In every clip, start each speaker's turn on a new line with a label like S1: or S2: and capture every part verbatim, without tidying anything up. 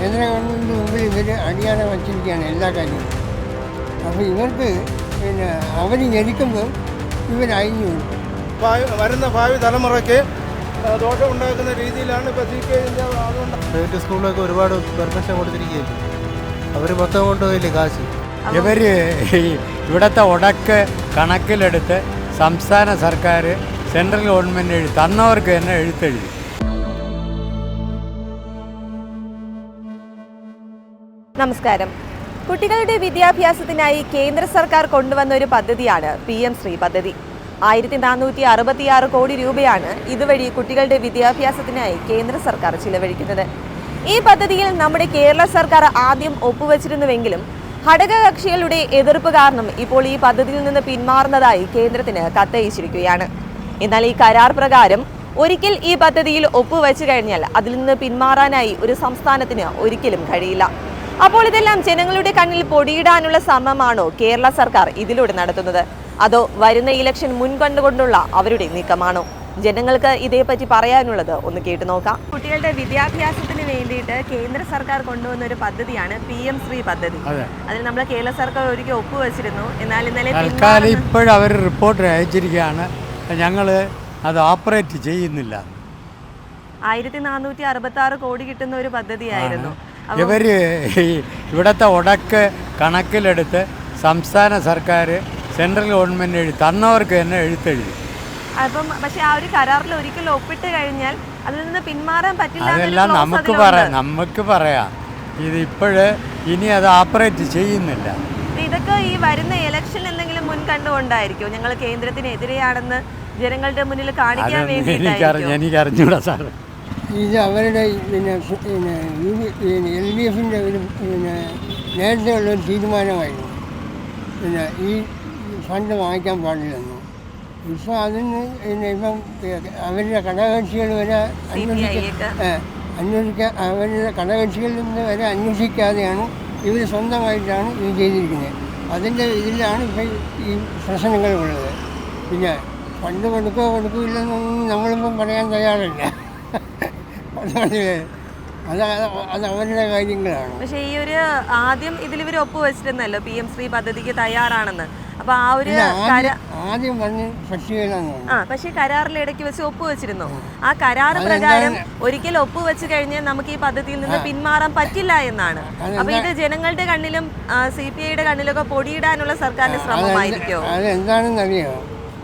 S1: കേന്ദ്ര ഗവൺമെൻറ് മുമ്പിൽ ഇവർ അടിയാതെ വച്ചിരിക്കുകയാണ് എല്ലാ കാര്യങ്ങളും. അപ്പോൾ ഇവർക്ക് പിന്നെ അവർ ഞെരിക്കുമ്പോൾ ഇവർ അഴിഞ്ഞു കൊടുക്കും.
S2: വരുന്ന ഭാവി തലമുറയ്ക്ക് ദോഷമുണ്ടാക്കുന്ന രീതിയിലാണ് ഇപ്പോൾ സി പി ഐ അതുകൊണ്ട്
S3: പ്രൈവറ്റ് സ്കൂളിലൊക്കെ ഒരുപാട് പെർമിഷൻ കൊടുത്തിരിക്കുകയില്ല. അവർ മൊത്തം കൊണ്ടുപോയില്ലേ കാശ്.
S4: ഇവർ ഇവിടുത്തെ ഉടക്ക് കണക്കിലെടുത്ത് സംസ്ഥാന സർക്കാർ സെൻട്രൽ ഗവൺമെൻറ് എഴുതി തന്നവർക്ക് തന്നെ എഴുത്തെഴുതി.
S5: നമസ്കാരം. കുട്ടികളുടെ വിദ്യാഭ്യാസത്തിനായി കേന്ദ്ര സർക്കാർ കൊണ്ടുവന്ന ഒരു പദ്ധതിയാണ് പി എം ശ്രീ പദ്ധതി. ആയിരത്തി നാനൂറ്റി അറുപത്തിയാറ് കോടി രൂപയാണ് ഇതുവഴി കുട്ടികളുടെ വിദ്യാഭ്യാസത്തിനായി കേന്ദ്ര സർക്കാർ ചിലവഴിക്കുന്നത്. ഈ പദ്ധതിയിൽ നമ്മുടെ കേരള സർക്കാർ ആദ്യം ഒപ്പുവച്ചിരുന്നുവെങ്കിലും ഘടകകക്ഷികളുടെ എതിർപ്പ് കാരണം ഇപ്പോൾ ഈ പദ്ധതിയിൽ നിന്ന് പിന്മാറുന്നതായി കേന്ദ്രത്തിന് കത്തയച്ചിരിക്കുകയാണ്. എന്നാൽ ഈ കരാർ പ്രകാരം ഒരിക്കൽ ഈ പദ്ധതിയിൽ ഒപ്പുവെച്ചു കഴിഞ്ഞാൽ അതിൽ നിന്ന് പിന്മാറാനായി ഒരു സംസ്ഥാനത്തിന് ഒരിക്കലും കഴിയില്ല. അപ്പോൾ ഇതെല്ലാം ജനങ്ങളുടെ കണ്ണിൽ പൊടിയിടാനുള്ള ശ്രമമാണോ കേരള സർക്കാർ ഇതിലൂടെ നടത്തുന്നത്, അതോ വരുന്ന ഇലക്ഷൻ മുൻകണ്ടുകൊണ്ടുള്ള അവരുടെ നീക്കമാണോ? ജനങ്ങൾക്ക് ഇതേപ്പറ്റി പറയാനുള്ളത് ഒന്ന് കേട്ടു നോക്കാം. കുട്ടികളുടെ വിദ്യാഭ്യാസത്തിന് വേണ്ടിയിട്ട് കേന്ദ്ര സർക്കാർ കൊണ്ടുവന്ന ഒരു പദ്ധതിയാണ് പി എം ശ്രീ പദ്ധതി. അതിൽ നമ്മൾ കേരള സർക്കാർ ഒരിക്കൽ ഒപ്പുവെച്ചിരുന്നു. എന്നാൽ ഇന്നലെ
S4: തൽക്കാലം ഇപ്പോഴും അവർ റിപ്പോർട്ട് അയച്ചിരിക്കുകയാണ്, ഞങ്ങൾ അത് ഓപ്പറേറ്റ് ചെയ്യുന്നില്ല.
S5: ആയിരത്തി നാനൂറ്റി അറുപത്തി ആറ് കോടി കിട്ടുന്ന ഒരു പദ്ധതിയായിരുന്നു.
S4: ഇവർ ഇവിടുത്തെ ഉടക്ക് കണക്കിലെടുത്ത് സംസ്ഥാന സർക്കാർ സെൻട്രൽ ഗവൺമെൻറ് എഴുതി തന്നവർക്ക് തന്നെ എഴുത്തെഴുതി.
S5: അപ്പം പക്ഷെ ആ ഒരു കരാറിൽ ഒരിക്കലും ഒപ്പിട്ട് കഴിഞ്ഞാൽ അതിൽ നിന്ന് പിന്മാറാൻ പറ്റില്ല.
S4: അതെല്ലാം നമുക്ക് പറയാം നമുക്ക് പറയാം ഇത് ഇപ്പോഴ് ഇനി അത് ഓപ്പറേറ്റ് ചെയ്യുന്നില്ല.
S5: ഇതൊക്കെ ഈ വരുന്ന ഇലക്ഷൻ എന്തെങ്കിലും മുൻ കണ്ടുകൊണ്ടായിരിക്കും ഞങ്ങൾ കേന്ദ്രത്തിനെതിരെയാണെന്ന് ജനങ്ങളുടെ മുന്നിൽ കാണിക്കാൻ വേണ്ടി.
S4: എനിക്ക് അറിഞ്ഞൂടാ സാർ.
S1: ഇത് അവരുടെ പിന്നെ പിന്നെ എൽ ഡി എഫിൻ്റെ ഒരു പിന്നെ നേരത്തെ ഉള്ളൊരു തീരുമാനമായിരുന്നു, പിന്നെ ഈ ഫണ്ട് വാങ്ങിക്കാൻ പാടില്ലെന്ന്. ഇപ്പോൾ അതിന് പിന്നെ ഇപ്പം അവരുടെ ഘടകകക്ഷികൾ വരെ അന്വേഷിക്കാൻ അന്വേഷിക്കാൻ അവരുടെ ഘടകകക്ഷികളിൽ നിന്ന് വരെ അന്വേഷിക്കാതെയാണ് ഇവർ സ്വന്തമായിട്ടാണ് ഇത് ചെയ്തിരിക്കുന്നത്. അതിൻ്റെ ഇതിലാണ് ഇപ്പം ഈ പ്രശ്നങ്ങളുള്ളത്. പിന്നെ ഫണ്ട് കൊടുക്കുകയോ കൊടുക്കില്ലെന്നൊന്നും നമ്മളിപ്പം പറയാൻ തയ്യാറല്ല. അത് അത് അവരുടെ കാര്യങ്ങളാണ്.
S5: പക്ഷേ ഈ ഒരു ആദ്യം ഇതിൽ ഇവർ ഒപ്പുവെച്ചിരുന്നല്ലോ പി എം ശ്രീ പദ്ധതിക്ക് തയ്യാറാണെന്ന്. അപ്പൊ ആ ഒരു
S1: ആദ്യം പറഞ്ഞ്
S5: ആ പക്ഷേ കരാറിൽ ഇടയ്ക്ക് വെച്ച് ഒപ്പുവെച്ചിരുന്നു. ആ കരാർ പ്രകാരം ഒരിക്കൽ ഒപ്പുവെച്ച് കഴിഞ്ഞാൽ നമുക്ക് ഈ പദ്ധതിയിൽ നിന്ന് പിന്മാറാൻ പറ്റില്ല എന്നാണ്. അപ്പൊ ഇത് ജനങ്ങളുടെ കണ്ണിലും സി പി ഐയുടെ കണ്ണിലൊക്കെ പൊടിയിടാനുള്ള സർക്കാരിന്റെ ശ്രമമായിരിക്കോ?
S1: അതെന്താണെന്ന് അറിയാമോ?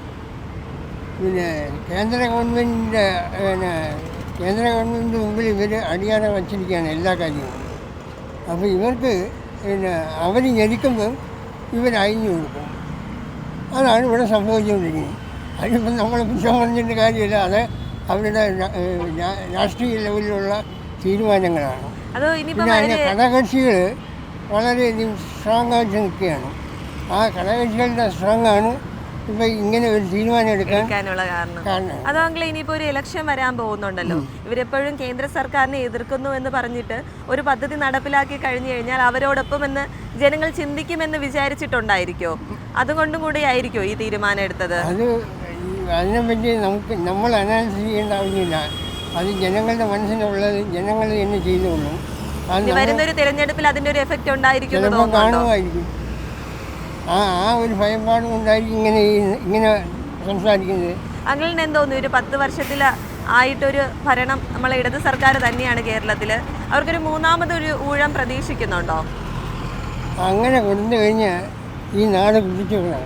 S1: പിന്നെ കേന്ദ്ര ഗവൺമെൻറ്റിൻ്റെ പിന്നെ കേന്ദ്ര ഗവൺമെൻറ് മുമ്പിൽ ഇവർ അടിയാതെ വച്ചിരിക്കുകയാണ് എല്ലാ കാര്യങ്ങളും. അപ്പോൾ ഇവർക്ക് പിന്നെ അവർ ഞെരിക്കുമ്പോൾ ഇവർ അഴിഞ്ഞു കൊടുക്കും. അതാണ് ഇവിടെ സംഭവിച്ചുകൊണ്ടിരിക്കുന്നത്. അതിനിപ്പം നമ്മൾ കുറ്റം പറഞ്ഞിട്ട് കാര്യമില്ല. അത് അവരുടെ രാഷ്ട്രീയ ലെവലിലുള്ള തീരുമാനങ്ങളാണ്. പിന്നെ അതിൻ്റെ ഘടകകക്ഷികൾ വളരെയധികം സ്ട്രോങ് ആയിട്ട് നിൽക്കുകയാണ്. ആ ഘടകകക്ഷികളുടെ സ്ട്രോങ് ആണ് ഇപ്പൊ ഇങ്ങനെ ഒരു തീരുമാനം എടുക്കാനുള്ള
S5: കാരണം. അതാണെങ്കിൽ ഇനിയിപ്പോ ഒരു ഇലക്ഷൻ വരാൻ പോകുന്നുണ്ടല്ലോ, ഇവരെപ്പോഴും കേന്ദ്ര സർക്കാരിനെ എതിർക്കുന്നു എന്ന് പറഞ്ഞിട്ട് ഒരു പദ്ധതി നടപ്പിലാക്കി കഴിഞ്ഞു കഴിഞ്ഞാൽ അവരോടൊപ്പം എന്ന് ജനങ്ങൾ ചിന്തിക്കുമെന്ന് വിചാരിച്ചിട്ടുണ്ടായിരിക്കോ? അതുകൊണ്ടും കൂടി ആയിരിക്കോ ഈ തീരുമാനം എടുത്തത്?
S1: അത് അതിനെപ്പറ്റി നമുക്ക് നമ്മൾ അനാലിസിസ് ചെയ്യേണ്ട ആവശ്യമില്ല. അത് ജനങ്ങളുടെ മനസ്സിലുള്ളത് ജനങ്ങൾ തന്നെ ചെയ്തോളും.
S5: വരുന്നൊരു തിരഞ്ഞെടുപ്പിൽ അതിന്റെ ഒരു എഫക്റ്റ് ഉണ്ടായിരിക്കും
S1: കാണുമായിരിക്കും. ആ ആ ഒരു ഭയപ്പാട് കൊണ്ടായിരിക്കും ഇങ്ങനെ ഇങ്ങനെ സംസാരിക്കുന്നത്.
S5: അങ്ങനെ എന്തോന്നു ഒരു പത്ത് വർഷത്തിൽ ആയിട്ടൊരു ഭരണം നമ്മളെ ഇടത് സർക്കാർ തന്നെയാണ് കേരളത്തിൽ. അവർക്കൊരു മൂന്നാമതൊരു ഊഴം പ്രതീക്ഷിക്കുന്നുണ്ടോ?
S1: അങ്ങനെ കൊടുത്തു കഴിഞ്ഞാൽ ഈ നാട് കുതിച്ചു പോകണം.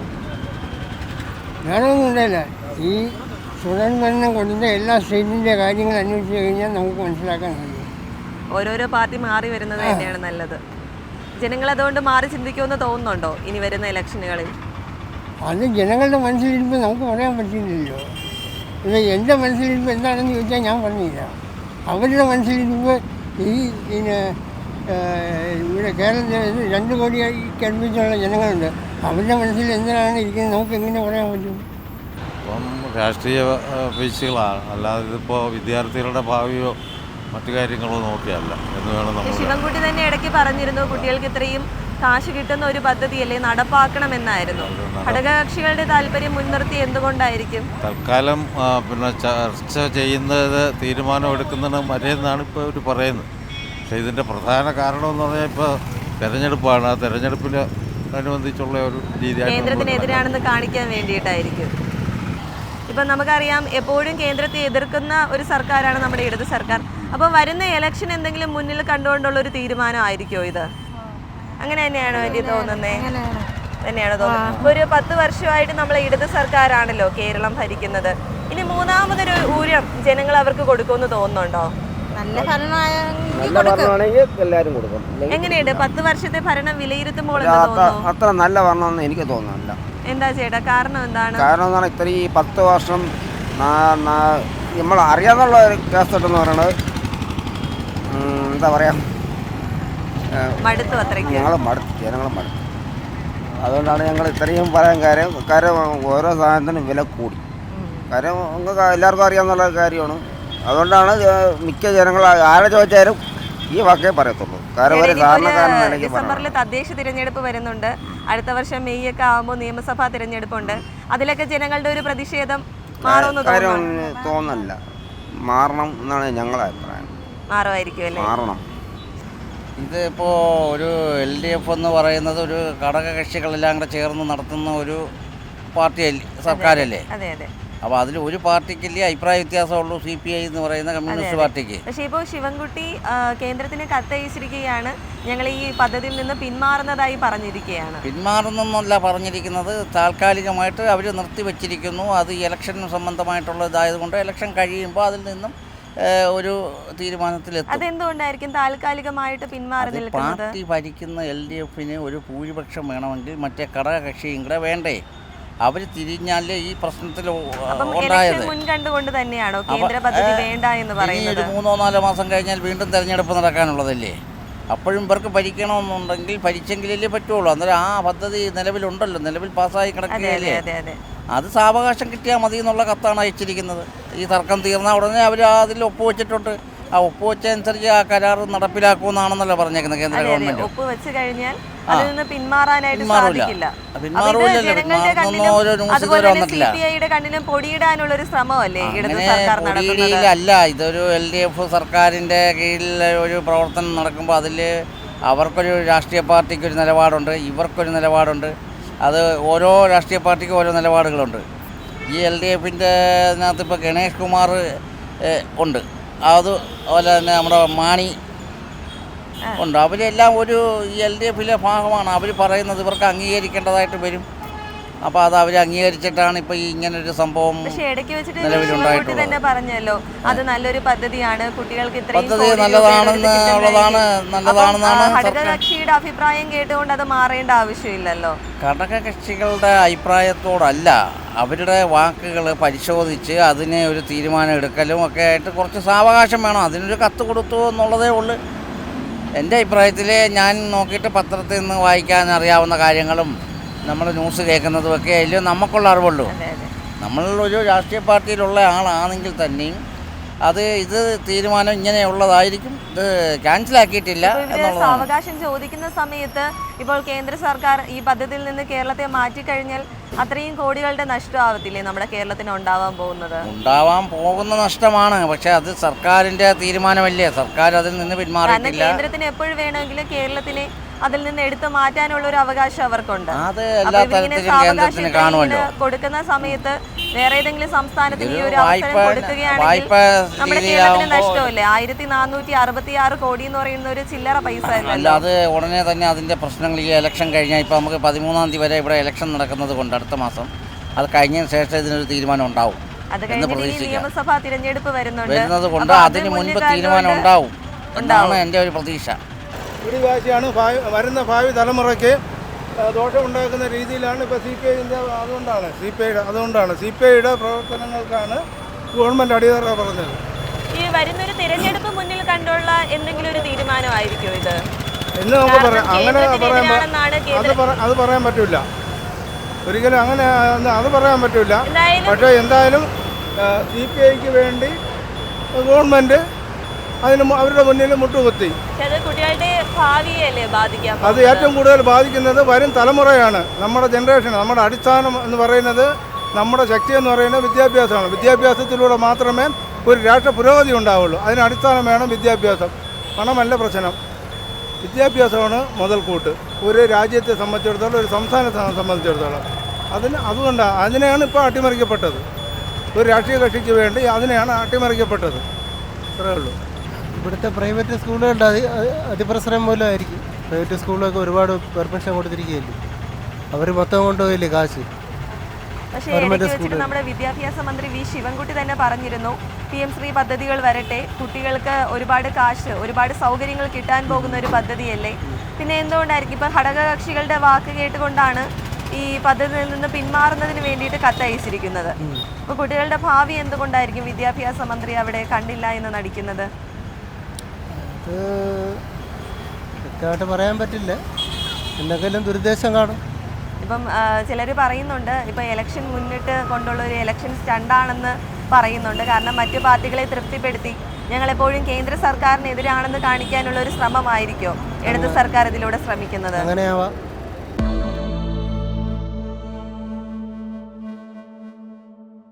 S1: വേണമെന്നും ഉണ്ടല്ല. ഈ തുടർ ഭരണം കൊടുത്ത എല്ലാ സ്റ്റേറ്റിൻ്റെ കാര്യങ്ങൾ അന്വേഷിച്ച് കഴിഞ്ഞാൽ നമുക്ക് മനസ്സിലാക്കാൻ കഴിയും.
S5: ഓരോരോ പാർട്ടി മാറി വരുന്നത് തന്നെയാണ് നല്ലത്. ജനങ്ങൾ അതുകൊണ്ട് മാറി ചിന്തിക്കുമെന്ന് തോന്നുന്നുണ്ടോ ഇനി വരുന്ന ഇലക്ഷനുകളിൽ?
S1: അത് ജനങ്ങളുടെ മനസ്സിലിരിപ്പോൾ നമുക്ക് പറയാൻ പറ്റില്ലല്ലോ. ഇത് എൻ്റെ മനസ്സിലിരിപ്പോൾ എന്താണെന്ന് ചോദിച്ചാൽ ഞാൻ പറഞ്ഞില്ല. അവരുടെ മനസ്സിലിരിപ്പോൾ ഈ പിന്നെ ഇവിടെ കേരളത്തിൽ രണ്ട് കോടിക്ക് അടുപ്പിച്ചുള്ള ജനങ്ങളുണ്ട്. അവരുടെ മനസ്സിൽ എന്തിനാണ് ഇരിക്കുന്നത് നമുക്ക് എങ്ങനെ പറയാൻ പറ്റും?
S6: ഇപ്പം രാഷ്ട്രീയ പേശികളാണ്, അല്ലാതെ ഇതിപ്പോൾ വിദ്യാർത്ഥികളുടെ ഭാവിയോ മറ്റു കാര്യങ്ങളോ നോക്കിയല്ല എന്ന് വേണം നമ്മൾ.
S5: ശിവൻകുട്ടി തന്നെ ഇടയ്ക്ക് പറഞ്ഞിരുന്നു കുട്ടികൾക്ക് ഇത്രയും കാശ് കിട്ടുന്ന ഒരു പദ്ധതിയല്ലേ നടപ്പാക്കണമെന്നായിരുന്നു. ഘടകകക്ഷികളുടെ താല്പര്യം മുൻനിർത്തി എന്തുകൊണ്ടായിരിക്കും
S6: തൽക്കാലം പിന്നെ ചർച്ച ചെയ്യുന്നത് തീരുമാനം എടുക്കുന്നതിന് മര്യാദയാണ് ഇപ്പോൾ അവർ പറയുന്നത്. പക്ഷേ ഇതിൻ്റെ പ്രധാന കാരണം എന്ന് പറഞ്ഞാൽ ഇപ്പോൾ തെരഞ്ഞെടുപ്പാണ്. ആ തെരഞ്ഞെടുപ്പിന് അനുബന്ധിച്ചുള്ള ഒരു രീതിയാണ്
S5: കേന്ദ്രത്തിനെതിരാണെന്ന് കാണിക്കാൻ വേണ്ടിയിട്ടായിരിക്കും. ഇപ്പം നമുക്കറിയാം എപ്പോഴും കേന്ദ്രത്തെ എതിർക്കുന്ന ഒരു സർക്കാരാണ് നമ്മുടെ ഇടത് സർക്കാർ. അപ്പോൾ വരുന്ന ഇലക്ഷൻ എന്തെങ്കിലും മുന്നിൽ കണ്ടുകൊണ്ടുള്ള ഒരു തീരുമാനമായിരിക്കുമോ ഇത്? അങ്ങനെ തന്നെയാണോ എനിക്ക് തോന്നുന്നത്? തന്നെയാണോ തോന്നുന്നത്? ഇപ്പോൾ ഒരു പത്ത് വർഷമായിട്ട് നമ്മളെ ഇടത് സർക്കാരാണല്ലോ കേരളം ഭരിക്കുന്നത്. ഇനി മൂന്നാമതൊരു ഊഴം ജനങ്ങൾ അവർക്ക് കൊടുക്കുമെന്ന് തോന്നുന്നുണ്ടോ?
S7: നല്ല ഭരണമാണെങ്കിൽ എല്ലാവരും കൊടുക്കും.
S5: എങ്ങനെയുണ്ട് പത്ത് വർഷത്തെ ഭരണം വിലയിരുത്തുമ്പോൾ എന്താ തോന്നുന്നു?
S7: അത്ര നല്ല ഭരണമെന്ന് എനിക്ക് തോന്നുന്നില്ല.
S5: എന്താ ചേട്ടാ കാരണം എന്താണ്?
S7: കാരണം എന്ന് പറഞ്ഞാൽ ഇത്രയും പത്ത് വർഷം നമ്മൾ അറിയാന്നുള്ള ഒരു കേസെന്ന് പറയുന്നത് എന്താ പറയാ,
S5: മടുത്തു അത്രയ്ക്ക്.
S7: ഞങ്ങൾ മടുത്തു, ജനങ്ങൾ മടുത്തു. അതുകൊണ്ടാണ് ഞങ്ങൾ ഇത്രയും പറയാൻ കാര്യം. കാര്യം ഓരോ സാധനത്തിനും വില കൂടി. കാര്യം നിങ്ങൾക്ക് എല്ലാവർക്കും അറിയാമെന്നുള്ള കാര്യമാണ്. അതുകൊണ്ടാണ് മിക്ക ജനങ്ങൾ ആരെ ചോദിച്ചാലും ഈ വാക്കേ പറയത്തുള്ളൂ. കാരണം ഒരു സാധാരണക്കാരൻ
S5: ഡിസംബറിൽ തദ്ദേശ തിരഞ്ഞെടുപ്പ് വരുന്നുണ്ട്. അടുത്ത വർഷം മെയ് ഒക്കെ ആകുമ്പോൾ നിയമസഭാ തിരഞ്ഞെടുപ്പുണ്ട്. അതിലൊക്കെ ജനങ്ങളുടെ ഒരു പ്രതിഷേധം മാറുമെന്ന്
S7: തോന്നുന്നില്ല. മാറണം എന്നാണ് ഞങ്ങളുടെ അഭിപ്രായം.
S5: മാറുമായിരിക്കും അല്ലേ?
S7: മാറണം.
S8: ഇതിപ്പോൾ ഒരു എൽ ഡി എഫ് എന്ന് പറയുന്നത് ഒരു ഘടകകക്ഷികളെല്ലാം കൂടെ ചേർന്ന് നടത്തുന്ന ഒരു പാർട്ടി സർക്കാരല്ലേ?
S5: അതെ അതെ.
S8: അപ്പോൾ അതിൽ ഒരു പാർട്ടിക്കല്ലേ അഭിപ്രായ വ്യത്യാസമുള്ളൂ, സി പി ഐ എന്ന് പറയുന്ന കമ്മ്യൂണിസ്റ്റ് പാർട്ടിക്ക്.
S5: പക്ഷേ ഇപ്പോൾ ശിവൻകുട്ടി കേന്ദ്രത്തിന് കത്തയച്ചിരിക്കുകയാണ്, ഞങ്ങൾ ഈ പദ്ധതിയിൽ നിന്ന് പിന്മാറുന്നതായി പറഞ്ഞിരിക്കുകയാണ്.
S8: പിന്മാറുന്നല്ല പറഞ്ഞിരിക്കുന്നത്, താൽക്കാലികമായിട്ട് അവർ നിർത്തിവെച്ചിരിക്കുന്നു. അത് ഇലക്ഷൻ സംബന്ധമായിട്ടുള്ളതായതുകൊണ്ട് ഇലക്ഷൻ കഴിയുമ്പോൾ അതിൽ നിന്നും ഒരു തീരുമാനത്തിലെത്തും.
S5: അതെന്തുകൊണ്ടായിരിക്കും താൽക്കാലികമായിട്ട് പിന്മാറി നിൽക്കുന്നത്?
S8: പാർട്ടി ഭരിക്കുന്ന എൽ ഡി എഫിന് ഒരു ഭൂരിപക്ഷം വേണമെങ്കിൽ മറ്റേ ഘടകകക്ഷിയും കൂടെ വേണ്ടേ? അവർ തിരിഞ്ഞാലേ ഈ പ്രശ്നത്തിൽ ഉണ്ടായത്.
S5: മുൻകണ്ടുകൊണ്ട് തന്നെയാണോ കേന്ദ്ര പദ്ധതി വേണ്ട എന്ന് പറയുന്നത്?
S8: ഒരു മൂന്നോ നാലോ മാസം കഴിഞ്ഞാൽ വീണ്ടും തെരഞ്ഞെടുപ്പ് നടക്കാനുള്ളതല്ലേ? അപ്പോഴും ഇവർക്ക് ഭരിക്കണമെന്നുണ്ടെങ്കിൽ ഭരിച്ചെങ്കിലല്ലേ പറ്റുള്ളൂ. അന്നേരം ആ പദ്ധതി നിലവിലുണ്ടല്ലോ, നിലവിൽ പാസ്സായി കിടക്കുകയല്ലേ. അത് സാവകാശം കിട്ടിയാൽ മതി എന്നുള്ള കത്താണ് അയച്ചിരിക്കുന്നത്. ഈ തർക്കം തീർന്ന ഉടനെ അവർ അതിൽ ഒപ്പുവെച്ചിട്ടുണ്ട്. ആ ഒപ്പുവെച്ചനുസരിച്ച് ആ കരാർ നടപ്പിലാക്കുമെന്നാണെന്നല്ലോ പറഞ്ഞേക്കുന്നത് കേന്ദ്ര ഗവൺമെന്റ്.
S5: ഒപ്പുവെച്ച് കഴിഞ്ഞാൽ അതിൽ നിന്ന് പിന്മാറാനായിട്ട് സാധിക്കില്ല. കണ്ണിലും പൊടിയിടാനുള്ള ഒരു ശ്രമമല്ലേ ഇടത് സർക്കാർ നടത്തുന്നത്?
S8: അല്ല, ഇതൊരു എൽ ഡി എഫ് സർക്കാരിന്റെ കീഴിൽ ഒരു പ്രവർത്തനം നടക്കുമ്പോൾ അതിൽ അവർക്കൊരു രാഷ്ട്രീയ പാർട്ടിക്ക് ഒരു നിലപാടുണ്ട്, ഇവർക്കൊരു നിലപാടുണ്ട്. അത് ഓരോ രാഷ്ട്രീയ പാർട്ടിക്കും ഓരോ നിലപാടുകളുണ്ട്. ഈ എൽ ഡി എഫിൻ്റെ അതിനകത്ത് ഇപ്പോൾ ഗണേഷ് കുമാർ ഉണ്ട്, അതുപോലെ തന്നെ നമ്മുടെ മാണി ഉണ്ട്. അവരെല്ലാം ഒരു എൽ ഡി എഫിലെ ഭാഗമാണ്. അവർ പറയുന്നത് ഇവർക്ക് അംഗീകരിക്കേണ്ടതായിട്ട് വരും. അപ്പോൾ അത് അവർ അംഗീകരിച്ചിട്ടാണ് ഇപ്പോൾ ഈ ഇങ്ങനൊരു സംഭവം
S5: നിലവിലുണ്ടായിട്ടുള്ളത്. തന്നെ പറഞ്ഞല്ലോ അത് നല്ലൊരു പദ്ധതിയാണ്, കുട്ടികൾക്ക്
S8: പദ്ധതി നല്ലതാണെന്നുള്ളതാണ് നല്ലതാണെന്നാണ്
S5: ഘടകകക്ഷിയുടെ അഭിപ്രായം കേട്ടുകൊണ്ട് അത് മാറേണ്ട ആവശ്യമില്ലല്ലോ.
S8: ഘടകകക്ഷികളുടെ അഭിപ്രായത്തോടല്ല, അവരുടെ വാക്കുകൾ പരിശോധിച്ച് അതിനെ ഒരു തീരുമാനം എടുക്കലും ഒക്കെ ആയിട്ട് കുറച്ച് സാവകാശം വേണം. അതിനൊരു കത്ത് കൊടുത്തു എന്നുള്ളതേ ഉള്ളൂ. എൻ്റെ അഭിപ്രായത്തിൽ ഞാൻ നോക്കിയിട്ട് പത്രത്തിൽ നിന്ന് വായിക്കാൻ അറിയാവുന്ന കാര്യങ്ങളും നമ്മൾ ന്യൂസ് കേൾക്കുന്നതുമൊക്കെ അതിൽ നമുക്കുള്ള അറിവുള്ളൂ. നമ്മളൊരു രാഷ്ട്രീയ പാർട്ടിയിലുള്ള ആളാണെങ്കിൽ തന്നെയും അത് ഇത് തീരുമാനം ഇങ്ങനെയുള്ളതായിരിക്കും, ഇത് ക്യാൻസലാക്കിയിട്ടില്ല എന്നുള്ളതാണ്.
S5: സാവകാശം ചോദിക്കുന്ന സമയത്ത് ഇപ്പോൾ കേന്ദ്ര സർക്കാർ ഈ പദ്ധതിയിൽ നിന്ന് കേരളത്തെ മാറ്റിക്കഴിഞ്ഞാൽ അത്രയും കോടികളുടെ നഷ്ടമാവത്തില്ലേ നമ്മുടെ കേരളത്തിന് ഉണ്ടാവാൻ പോകുന്നത്?
S8: ഉണ്ടാവാൻ പോകുന്ന നഷ്ടമാണ്. പക്ഷെ അത് സർക്കാരിന്റെ തീരുമാനമല്ലേ, സർക്കാർ അതിൽ നിന്ന് പിന്മാറിയിട്ടില്ല.
S5: കേന്ദ്രത്തിന് എപ്പോഴും വേണമെങ്കിലും കേരളത്തിനെ അതിൽ നിന്ന് എടുത്തു മാറ്റാനുള്ള ഒരു അവകാശം അവർക്കുണ്ട്.
S8: അത് എല്ലാ തരത്തിലും കേന്ദ്രത്തിന് കാണുമല്ലോ.
S5: കൊടുക്കുന്ന സമയത്ത് വേറെ ഏതെങ്കിലും സംസ്ഥാനത്തിന് ഈ ഒരു അവസരം കൊടുക്കുകയാണെങ്കിൽ നമ്മുടെ കേരളത്തിന് നഷ്ടമല്ലേ? ആയിരത്തി നാനൂറ്റി അറുപത്തി ആറ് കോടി എന്ന് പറയുന്ന ഒരു ചില്ലറ പൈസ
S8: അല്ല. അത് ഉടനെ തന്നെ അതിന്റെ പ്രശ്നങ്ങൾ ഈ ഇലക്ഷൻ കഴിഞ്ഞാൽ ഇപ്പൊ നമുക്ക് പതിമൂന്നാം തീയതി വരെ ഇവിടെ ഇലക്ഷൻ നടക്കുന്നത് കൊണ്ട് അടുത്ത മാസം അത് കഴിഞ്ഞതിന് ശേഷം ഇതിനൊരു തീരുമാനം ഉണ്ടാവും എന്ന് പ്രതീക്ഷിക്കാം.
S5: നിയമസഭാ തിരഞ്ഞെടുപ്പ്
S8: വരുന്നത് കൊണ്ട് അതിന് മുൻപ് തീരുമാനം ഉണ്ടാവും എന്നാണ് എൻ്റെ ഒരു പ്രതീക്ഷ.
S2: പിടിവാശിയാണ് ഭാവി വരുന്ന ഭാവി തലമുറയ്ക്ക് ദോഷമുണ്ടാക്കുന്ന രീതിയിലാണ് ഇപ്പോൾ സി പി ഐൻ്റെ അതുകൊണ്ടാണ് സി പി ഐയുടെ അതുകൊണ്ടാണ് സി പി ഐയുടെ പ്രവർത്തനങ്ങൾക്കാണ് ഗവൺമെൻറ് അടിയറ പറഞ്ഞത്.
S5: ഈ വരുന്നൊരു തിരഞ്ഞെടുപ്പ് മുന്നിൽ കണ്ടുള്ള എന്തെങ്കിലും ഒരു തീരുമാനമായിരിക്കും ഇത്
S2: എന്ന് നമുക്ക് പറയാം. അങ്ങനെ പറയാൻ അത് അത് പറയാൻ പറ്റില്ല, ഒരിക്കലും അങ്ങനെ അത് പറയാൻ പറ്റില്ല. പക്ഷേ എന്തായാലും സി പി ഐക്ക് വേണ്ടി ഗവൺമെൻറ് അതിന് അവരുടെ മുന്നിൽ മുട്ടുകുത്തി. അത് ഏറ്റവും കൂടുതൽ ബാധിക്കുന്നത് വരും തലമുറയാണ്, നമ്മുടെ ജനറേഷൻ. നമ്മുടെ അടിസ്ഥാനം എന്ന് പറയുന്നത്, നമ്മുടെ ശക്തി എന്ന് പറയുന്നത് വിദ്യാഭ്യാസമാണ്. വിദ്യാഭ്യാസത്തിലൂടെ മാത്രമേ ഒരു രാഷ്ട്ര പുരോഗതി ഉണ്ടാവുള്ളൂ. അതിന് അടിസ്ഥാനം വേണം വിദ്യാഭ്യാസം. പണമല്ല പ്രശ്നം, വിദ്യാഭ്യാസമാണ് മുതൽക്കൂട്ട് ഒരു രാജ്യത്തെ സംബന്ധിച്ചിടത്തോളം, ഒരു സംസ്ഥാനത്തെ സംബന്ധിച്ചിടത്തോളം. അതിന് അതുകൊണ്ടാണ് അതിനെയാണ് ഇപ്പോൾ അട്ടിമറിക്കപ്പെട്ടത്. ഒരു രാഷ്ട്രീയ കക്ഷിക്ക് വേണ്ടി അതിനെയാണ് അട്ടിമറിക്കപ്പെട്ടത്. അത്രേ ഉള്ളൂ.
S3: ഇവിടുത്തെ പ്രൈവറ്റ് സ്കൂളുകളുടെ അതി അതിപ്രസരം മൂലമായിരിക്കും. പ്രൈവറ്റ് സ്കൂളിലൊക്കെ ഒരുപാട് പെർമിഷൻ കൊടുത്തിരിക്കുകയല്ലേ, അവർ മൊത്തം കൊണ്ടുപോയില്ലേ കാശ്.
S5: പക്ഷേ ഇടയ്ക്ക് വെച്ചിട്ട് നമ്മുടെ വിദ്യാഭ്യാസ മന്ത്രി വി ശിവൻകുട്ടി തന്നെ പറഞ്ഞിരുന്നു, പി എം ശ്രീ പദ്ധതികൾ വരട്ടെ, കുട്ടികൾക്ക് ഒരുപാട് കാശ് ഒരുപാട് സൗകര്യങ്ങൾ കിട്ടാൻ പോകുന്ന ഒരു പദ്ധതിയല്ലേ, പിന്നെ എന്തുകൊണ്ടായിരിക്കും ഇപ്പം ഘടകകക്ഷികളുടെ വാക്ക് കേട്ടുകൊണ്ടാണ് ഈ പദ്ധതിയിൽ നിന്ന് പിന്മാറുന്നതിന് വേണ്ടിയിട്ട് കത്തയച്ചിരിക്കുന്നത്. അപ്പോൾ കുട്ടികളുടെ ഭാവി എന്തുകൊണ്ടായിരിക്കും വിദ്യാഭ്യാസ മന്ത്രി അവിടെ കണ്ടില്ല എന്ന് നടിക്കുന്നത്?
S3: അത് വ്യക്തമായിട്ട് പറയാൻ പറ്റില്ല, എന്തെങ്കിലും ദുരുദ്ദേശം കാണും.
S5: ഇപ്പം ചിലർ പറയുന്നുണ്ട് ഇപ്പം ഇലക്ഷൻ മുന്നിട്ട് കൊണ്ടുള്ള ഒരു ഇലക്ഷൻ സ്റ്റണ്ടാണെന്ന് പറയുന്നുണ്ട്. കാരണം മറ്റു പാർട്ടികളെ തൃപ്തിപ്പെടുത്തി ഞങ്ങളെപ്പോഴും കേന്ദ്ര സർക്കാരിനെതിരാണെന്ന് കാണിക്കാനുള്ള ഒരു ശ്രമമായിരിക്കും ഇടത് സർക്കാർ ഇതിലൂടെ ശ്രമിക്കുന്നത്.
S3: അങ്ങനെയാവാം.